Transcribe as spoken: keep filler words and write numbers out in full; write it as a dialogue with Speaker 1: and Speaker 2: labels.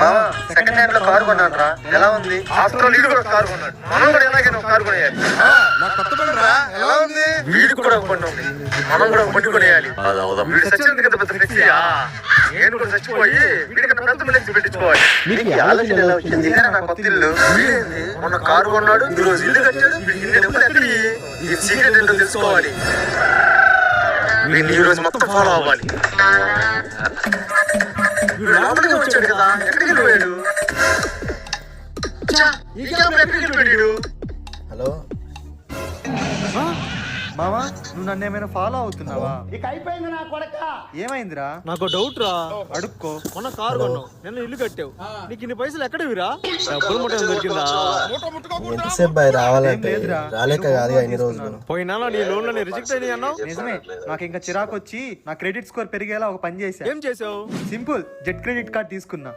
Speaker 1: Second hand లో car కొన్నాను రా, ఎలా ఉంది? ఆఫ్టర్ ఆల్ వీడు కూడా కారు కొన్నాడు, మనం కూడా ఎలాగైనా ఒక కారు కొనేయాలి. ఎలా ఉంది? వీడికి కూడా ఒక బండి ఉంది, మనం కూడా ఒక బండి కొనేయాలి. వీడు సచ్చినందుకు కదా పెద్ద ఫ్లెక్సీ. నేను కూడా చచ్చిపోయి వీడికన్నా పెద్ద ఫ్లెక్సీ పెట్టించుకోవాలి. మీకు ఈ ఆలోచన ఎలా వచ్చింది? నా కొత్త ఇల్లు వీడేంది, మొన్న కారు కొన్నాడు, ఈ రోజు ఇల్లు కట్టాడు, వీడికి ఇన్ని డబ్బులు ఎక్కడి? ఈ సీక్రెట్ ఏంటో తెలుసుకోవాలి. వీడిని ఈ రోజు మొత్తం ఫాలో అవ్వాలి. వీడు లోపలికి వచ్చాడు కదా, ఎక్కడికి వెళ్ళిపోయాడు? ఈ క్యాబ్ ఎక్కడికి వెళ్ళిపోయాడు?
Speaker 2: హలో
Speaker 3: మామా, నువ్వు నన్ను ఏమైనా ఫాలో అవుతున్నావా?
Speaker 4: ఇక అయిపోయింది నా కొడక.
Speaker 3: ఏమైందిరా?
Speaker 5: నాకు డౌట్ రా.
Speaker 3: అడుక్కో.
Speaker 5: మొన్న కారు కొన్నావు, నిన్న ఇల్లు కట్టావు, నీకు ఇన్ని పైసలు ఎక్కడవిరా? డబ్బులు ముట్ట దొరికిందా?
Speaker 2: ఎంతసేపు బాయ్ రావాలంటే రాలేక కాదు ఇన్ని రోజులు.
Speaker 5: పోయినా నీ లోన్ లని రిజెక్ట్ అయినాయి అన్నావు.
Speaker 3: నిజమే, నాకు ఇంకా చిరాకు వచ్చి నా క్రెడిట్ స్కోర్ పెరిగేలా ఒక పని చేశా.
Speaker 5: ఏం చేసావు?
Speaker 3: సింపుల్, జెట్ క్రెడిట్ కార్డ్ తీసుకున్నా.